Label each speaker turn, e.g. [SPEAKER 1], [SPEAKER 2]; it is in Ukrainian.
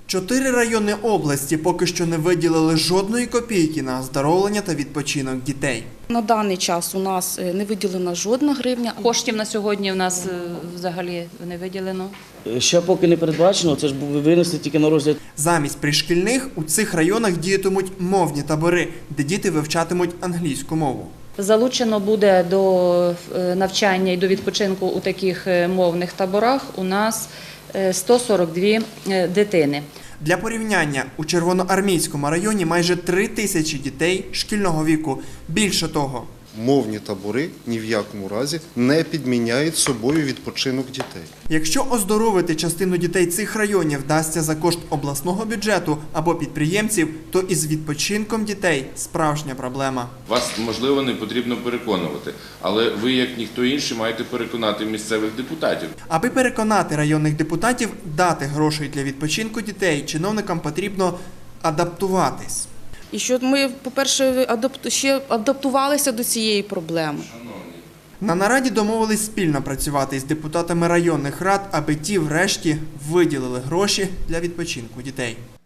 [SPEAKER 1] 4 райони області поки що не виділили жодної копійки на оздоровлення та відпочинок дітей.
[SPEAKER 2] На даний час у нас не виділена жодна гривня.
[SPEAKER 3] Коштів на сьогодні в нас взагалі не виділено.
[SPEAKER 4] Ще поки не передбачено, це ж винесли тільки на розгляд.
[SPEAKER 1] Замість пришкільних у цих районах діятимуть мовні табори, де діти вивчатимуть англійську мову.
[SPEAKER 3] Залучено буде до навчання і до відпочинку у таких мовних таборах у нас 142 дитини.
[SPEAKER 1] Для порівняння, у Червоноармійському районі майже 3 тисячі дітей шкільного віку. Більше того,
[SPEAKER 5] мовні табори ні в якому разі не підміняють собою відпочинок дітей.
[SPEAKER 1] якщо оздоровити частину дітей цих районів вдасться за кошт обласного бюджету або підприємців, то із відпочинком дітей справжня проблема.
[SPEAKER 6] Вас, можливо, не потрібно переконувати, але ви, як ніхто інший, маєте переконати місцевих депутатів.
[SPEAKER 1] Аби переконати районних депутатів дати грошей для відпочинку дітей, чиновникам потрібно адаптуватись.
[SPEAKER 2] І щоб ми, по-перше, ще адаптувалися до цієї проблеми.
[SPEAKER 1] На нараді домовились спільно працювати із депутатами районних рад, аби ті врешті виділили гроші для відпочинку дітей.